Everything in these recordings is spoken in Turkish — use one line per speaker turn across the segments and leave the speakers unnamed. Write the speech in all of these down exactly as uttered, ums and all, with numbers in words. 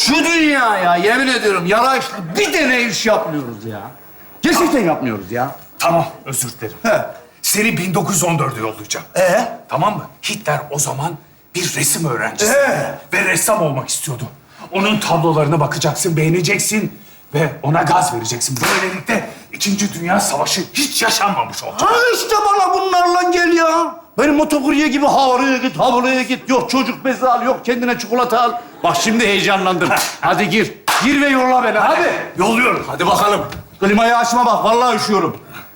Şu dünyaya yemin ediyorum yaraşlı bir tane iş yapmıyoruz ya. Gerçekten yapmıyoruz ya.
Tamam, özür dilerim.
He.
Seni bin dokuz yüz on dörde yollayacağım.
Ee?
Tamam mı? Hitler o zaman bir resim öğrencisi.
Ee?
Ve ressam olmak istiyordu. Onun tablolarına bakacaksın, beğeneceksin ve ona gaz vereceksin. Böylelikle İkinci Dünya Savaşı hiç yaşanmamış olacak.
Ha işte bana bunlarla gel ya. Benim motokurye gibi havaraya git, havaraya git. Yok çocuk bezi al, yok kendine çikolata al. Bak şimdi heyecanlandım. Hadi gir. Gir ve yolla beni hadi.
Yolluyorum.
Hadi bakalım. Klimayı açma bak, vallahi üşüyorum.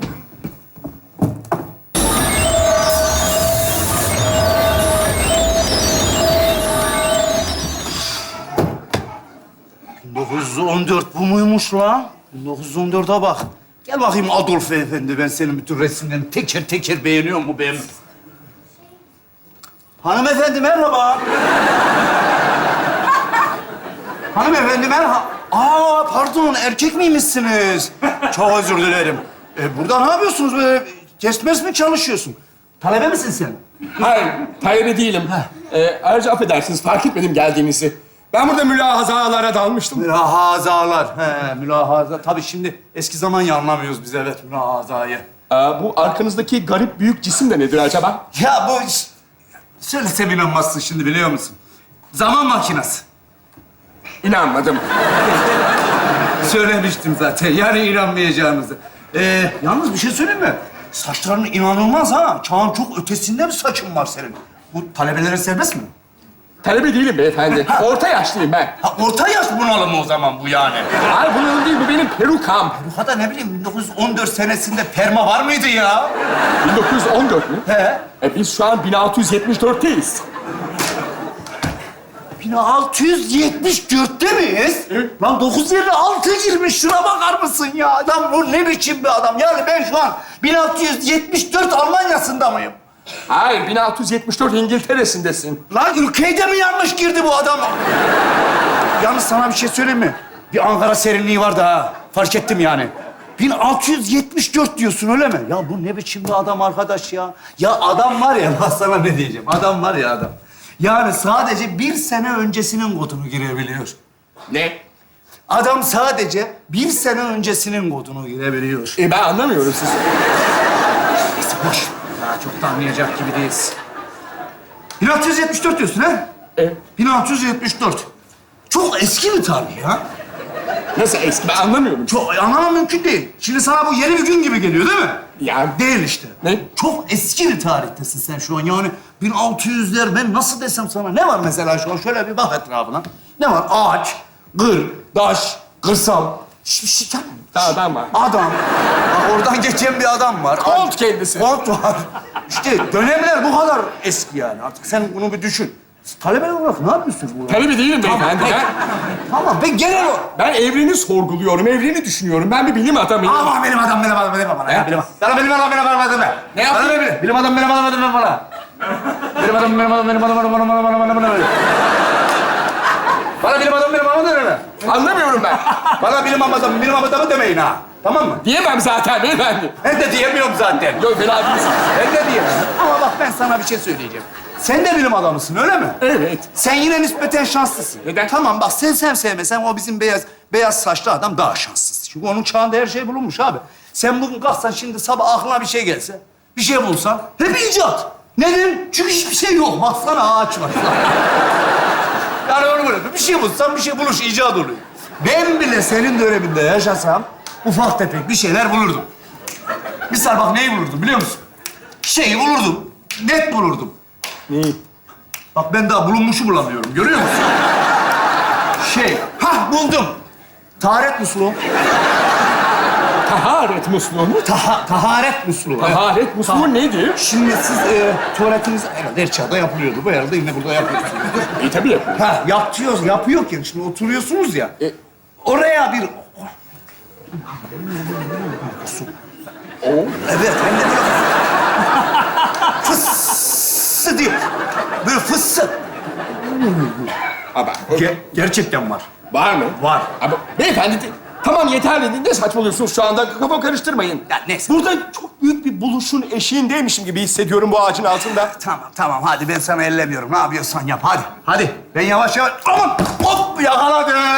bin dokuz yüz on dört bu muymuş lan? bin dokuz yüz on dörde bak. Gel bakayım Adolf Efendi, ben senin bütün resimlerini teker teker beğeniyor mu benim? Hanımefendi merhaba. Hanımefendi merhaba. Aa pardon, erkek miymişsiniz? Çok özür dilerim. E, burada ne yapıyorsunuz böyle? Test mes mi çalışıyorsun? Talebe misin sen?
Hayır, talebe değilim. Ee, ayrıca affedersiniz, fark etmedim geldiğinizi. Ben burada mülahazalara dalmıştım.
Mülahazalar. He, mülahaza. Tabii şimdi eski zaman ya anlamıyoruz biz, evet, mülahazayı.
Ee, bu arkanızdaki garip büyük cisim de nedir acaba?
Ya bu iş... Söylesem inanmazsın şimdi, biliyor musun? Zaman makinesi.
İnanmadım.
Söylemiştim zaten, yani inanmayacağınızı. Ee, yalnız bir şey söyleyeyim mi? Saçların inanılmaz ha. Çağın çok ötesinde bir saçın var senin. Bu talebelere serbest mi?
Talebe değilim beyefendi. Orta yaşlıyım ben.
Ha, orta yaş bunalımı o zaman bu yani.
Hayır, bunun değil, bu benim perukam.
Bu kadar ne bileyim, bin dokuz yüz on dört senesinde perma var mıydı ya?
bin dokuz yüz on dört mü?
He.
E biz şu an bin altı yüz yetmiş dörtteyiz.
bin altı yüz yetmiş dörtte miyiz?
Evet.
Lan dokuz yerine altı girmiş. Şuna bakar mısın ya? Adam bu ne biçim bir adam? Yani ben şu an bin altı yüz yetmiş dört Almanya'sında mıyım?
Hayır, bin altı yüz yetmiş dört İngiltere'sindesin.
Lan ülkeye de mi yanlış girdi bu adam? Yalnız sana bir şey söyleyeyim mi? Bir Ankara serinliği var da ha. Fark ettim yani. bin altı yüz yetmiş dört diyorsun öyle mi? Ya bu ne biçim bir adam arkadaş ya? Ya adam var ya, bak sana ne diyeceğim. Adam var ya adam. Yani sadece bir sene öncesinin kodunu girebiliyor.
Ne?
Adam sadece bir sene öncesinin kodunu girebiliyor.
E ben anlamıyorum sizi.
Neyse boş. Daha çok da anlayacak gibi değiliz. bin altı yüz yetmiş dört diyorsun ha?
E,
bin altı yüz yetmiş dört. Çok eski bir tarih ya.
nasıl eski? Ben anlamıyorum.
Çok anlamam mümkün değil. Şimdi sana bu yeni bir gün gibi geliyor değil mi?
Yani
Değil işte.
Ne?
Çok eski bir tarihtesin sen şu an. Yani bin altı yüzler, ben nasıl desem sana? Ne var mesela şu an? Şöyle bir bak etrafına. Ne var? Ağaç, gır, taş, kırsal. Hiçbir şey yok.
adam var.
Adam. Bak oradan geçen bir adam var.
Kont kendisi.
Kont var. İşte dönemler bu kadar eski yani. Artık sen bunu bir düşün. Talebeler olarak ne yapıyorsun bu?
Talebe değilim beyefendi. Ben,
Tamam, ben genel olarak...
ben evreni sorguluyorum, evreni düşünüyorum. Ben bir bilim adamıyım.
Ama benim adam, benim adam, benim adam. Ya, benim adam. Bana benim adam, benim adam, benim adam.
Ne yapayım?
Bana benim, benim adam, benim adam, benim adam, bana. Benim adam, benim adam, benim adam, benim adam, benim adam, benim adam, benim adam. Bana benim adam, benim adam deme.
Anlamıyorum ben.
Bana benim adam, benim adamı demeyin ha. Tamam mı?
Diyemem zaten beyefendi.
Ben de diyemiyorum zaten.
Yok, fena değilsin.
Ben de diyemem. Ama bak ben sana bir şey söyleyeceğim. Sen de bilim adamısın öyle mi?
Evet.
Sen yine nispeten şanslısın.
Neden?
Tamam bak, sen sen sevmesen o bizim beyaz beyaz saçlı adam daha şanssız. Çünkü onun çağında her şey bulunmuş abi. Sen bugün kalksan şimdi sabah aklına bir şey gelse, bir şey bulsan hep icat. Neden? Çünkü hiçbir şey yok. Baksana ağaç var. Yani onu böyle bir şey bulsan bir şey buluş, icat oluyor. Ben bile senin döneminde yaşasam ufak tefek bir şeyler bulurdum. Misal bak neyi bulurdum biliyor musun? Şeyi bulurdum. Net bulurdum.
Neyi?
Bak ben daha bulunmuşu bulamıyorum. Görüyor musun? Şey, hah buldum. Taharet musluğu.
Taharet musluğu mu?
Taha, taharet musluğu.
Taharet musluğu
Ta-
nedir?
Şimdi siz e, tuvaletiniz herhalde her çağda yapılıyordu. Bu herhalde yine burada yapıyorsunuz.
İyi tabii yapıyorum.
Ha, yapıyoruz, yapıyorken şimdi oturuyorsunuz ya.
E-
Oraya bir... Su.
O.
Evet, hem de böyle... Fıssı diye. Böyle fıssı.
Ama
Ge- gerçekten var.
var mı?
Var.
Ama beyefendi de- tamam yeterli. Ne saçmalıyorsunuz şu anda? Kafa karıştırmayın.
Ya neyse.
Burada çok büyük bir buluşun eşiğindeymişim gibi hissediyorum bu ağacın altında.
Tamam, tamam. Hadi ben sana ellemiyorum. Ne yapıyorsan yap. Hadi, hadi. Ben yavaş yavaş... Aman! Hop! Yakaladım.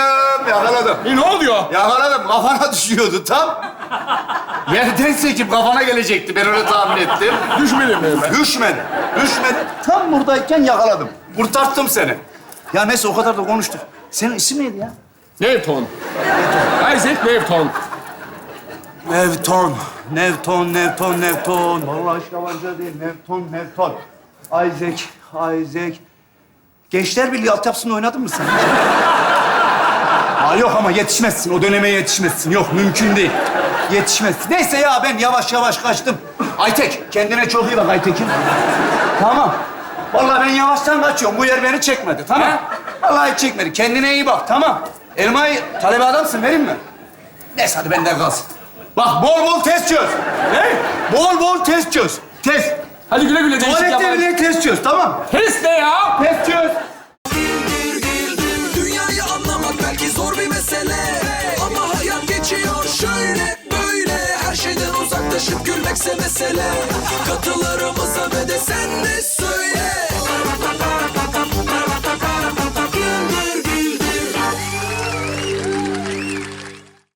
yakaladım.
E, ne oluyor?
Yakaladım. Kafana düşüyordu tam. Yerden sekip kafana gelecekti. Ben öyle tahmin ettim.
Düşmedim mi ben?
Düşmedi. Düşmedi. Tam buradayken yakaladım. Kurtarttım seni. Ya neyse o kadar da konuştuk. Senin isim neydi ya?
Newton. Isaac Newton.
Newton. Newton, Newton, Newton. Vallahi hiç yabancı değil. Newton, Newton. Isaac, Isaac. Gençler Birliği altyapısında oynadın mı sen? Aa, yok ama yetişmezsin. O döneme yetişmezsin. Yok, mümkün değil. Yetişmezsin. Neyse ya ben yavaş yavaş kaçtım. Aytek, kendine çok iyi bak Aytek'im. Tamam. Vallahi ben yavaştan kaçıyorum. Bu yer beni çekmedi, tamam? Vallahi hiç çekmedi. Kendine iyi bak, tamam? Elmayı talebe adamsın, vereyim mi? Neyse hadi benden kalsın. Bak bol bol test çöz. Ne? Bol bol test çöz. Test.
Hadi güle güle değişik
Tuvalette
yapalım.
bile test çöz, tamam?
Test ne ya?
Test çöz.
Dünyayı anlamak belki zor bir mesele, ama hayat geçiyor şöyle böyle. Her şeyden uzaklaşıp gülmekse mesele.